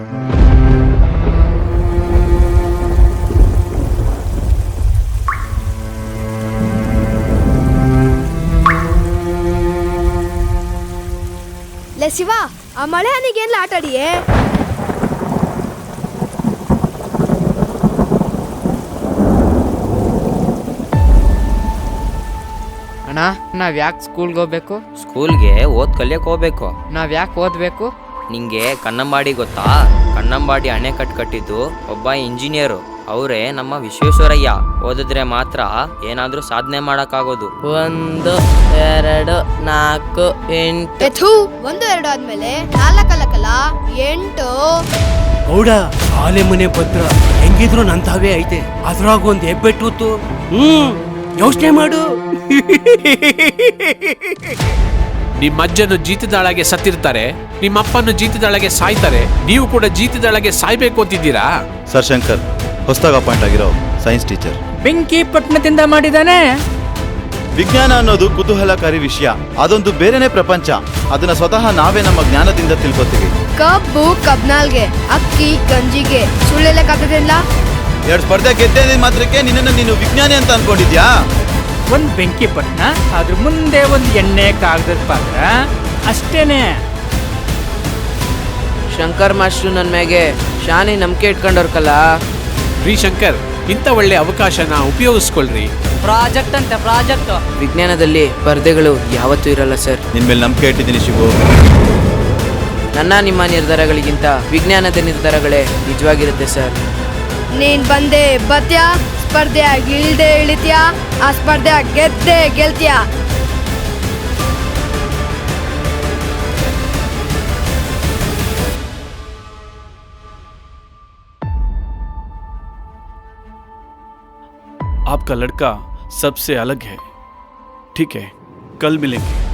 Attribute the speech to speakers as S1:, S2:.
S1: ಲೇ ಶಿವ, ಆ ಮಳೆ ಹನಿಗೇನ್ಲ ಆಟಾಡಿಯೇ?
S2: ಅಣ್ಣ, ನಾವ್ ಯಾಕೆ ಸ್ಕೂಲ್ಗೆ ಹೋಗ್ಬೇಕು?
S3: ಸ್ಕೂಲ್ಗೆ ಕಲಿಯಕ್ ಹೋಗ್ಬೇಕು.
S2: ನಾವ್ ಯಾಕೆ ಓದ್ಬೇಕು?
S3: ನಿಂಗೆ ಕನ್ನಂಬಾಡಿ ಗೊತ್ತಾ? ಕನ್ನಂಬಾಡಿ ಅಣೆಕಟ್ಟು ಕಟ್ಟಿದ್ದು ಒಬ್ಬ ಇಂಜಿನಿಯರು. ಅವರೇ ನಮ್ಮ ವಿಶ್ವೇಶ್ವರಯ್ಯ. ಓದಿದ್ರೆ ಮಾತ್ರ ಏನಾದ್ರೂ ಸಾಧನೆ ಮಾಡಕ್ಕಾಗೋದು.
S4: 1 2 4 8
S1: 1 2 ಆದ್ಮೇಲೆ 4 ಅಲ್ಲಕಲ್ಲ 8.
S5: ಗೌಡ, ಆಲೆ ಮನೆ ಭದ್ರ ಹೆಂಗಿದ್ರು ನಂತಾವೇ ಐತೆ. ಅದ್ರಾಗ ಒಂದ್ ಹೆಬ್ಬೆಟ್ಟು ಯೋಚನೆ ಮಾಡು.
S6: ನಿಮ್ಮಜ್ಜನು ಜೀತದಾಳಗೆ ಸತ್ತಿರ್ತಾರೆ, ನಿಮ್ಮಪ್ಪನು ಜೀತದಾಳಗೆ ಸಾಯ್ತಾರೆ. ನೀವು ಕೂಡ ಜೀತದಾಳಗೆ ಸಾಯ್ಬೇಕು ಅಂತಿದ್ದೀರಾ?
S7: ಸರ್ ಶಂಕರ್, ಹೊಸದಾಗಿ ಅಪಾಯಿಂಟ್ ಆಗಿರೋ ಸೈನ್ಸ್ ಟೀಚರ್.
S4: ಬೆಂಕಿ ಪಟ್ಟಣದಿಂದ ಮಾಡಿದಾನೆ.
S7: ವಿಜ್ಞಾನ ಅನ್ನೋದು ಕುತೂಹಲಕಾರಿ ವಿಷಯ. ಅದೊಂದು ಬೇರೆನೆ ಪ್ರಪಂಚ. ಅದನ್ನ ಸ್ವತಃ ನಾವೇ ನಮ್ಮ ಜ್ಞಾನದಿಂದ ತಿಳ್ಕೊತೀವಿ.
S1: ಕಬ್ಬು ಕಬ್ನಾಲ್ಗೆ, ಅಕ್ಕಿ ಗಂಜಿಗೆ ಸುಳ್ಳೆಲ್ಲಕ್ಕಾಗದಿಲ್ಲ.
S7: 2 ಸ್ಪರ್ಧೆ ಗೆದ್ದೆ ಮಾತ್ರಕ್ಕೆ ನಿನ್ನನ್ನು ನೀನು ವಿಜ್ಞಾನಿ ಅಂತ ಅನ್ಕೊಂಡಿದ್ಯಾ?
S4: ಒಂದ್ ಬೆಂಕಿ ಪಟ್ಟಣ, ಅದ್ರ ಮುಂದೆ ಒಂದ್ ಎಣ್ಣೆ ಕಾಗದದ ಪಾತ್ರ ಅಷ್ಟೇನೆ.
S8: ಶಂಕರ್ ಮಾಸ್ಟ್ರು ನನ್ನ ಮ್ಯಾಗೆ ಶಾನೆ ನಂಬಿಕೆ ಇಟ್ಕೊಂಡವ್ರಕಲ್ಲ.
S6: ರೀ ಶಂಕರ್, ಇಂಥ ಒಳ್ಳೆ ಅವಕಾಶನ ಉಪಯೋಗಿಸ್ಕೊಳ್ರಿ.
S4: ಪ್ರಾಜೆಕ್ಟ್ ಅಂತ ಪ್ರಾಜೆಕ್ಟ್.
S8: ವಿಜ್ಞಾನದಲ್ಲಿ ಸ್ಪರ್ಧೆಗಳು ಯಾವತ್ತೂ ಇರಲ್ಲ ಸರ್.
S7: ನಿನ್ ಮೇಲೆ ನಂಬಿಕೆ ಇಟ್ಟಿದ್ದೀನಿ ಶಿವು.
S8: ನನ್ನ ನಿಮ್ಮ ನಿರ್ಧಾರಗಳಿಗಿಂತ ವಿಜ್ಞಾನದ ನಿರ್ಧಾರಗಳೇ ನಿಜವಾಗಿರುತ್ತೆ ಸರ್.
S1: ನೀನ್ ಬಂದೆ ಬತ್ಯಾ, ಸ್ಪರ್ಧೆಯಾಗಿ ಇಳ್ದೆ ಇಳಿತ್ಯಾ, ಆ ಸ್ಪರ್ಧೆ ಗೆದ್ದೆ ಗೆಲ್ತ್ಯಾ.
S9: आपका लड़का सबसे अलग है. ठीक है, कल मिलेंगे.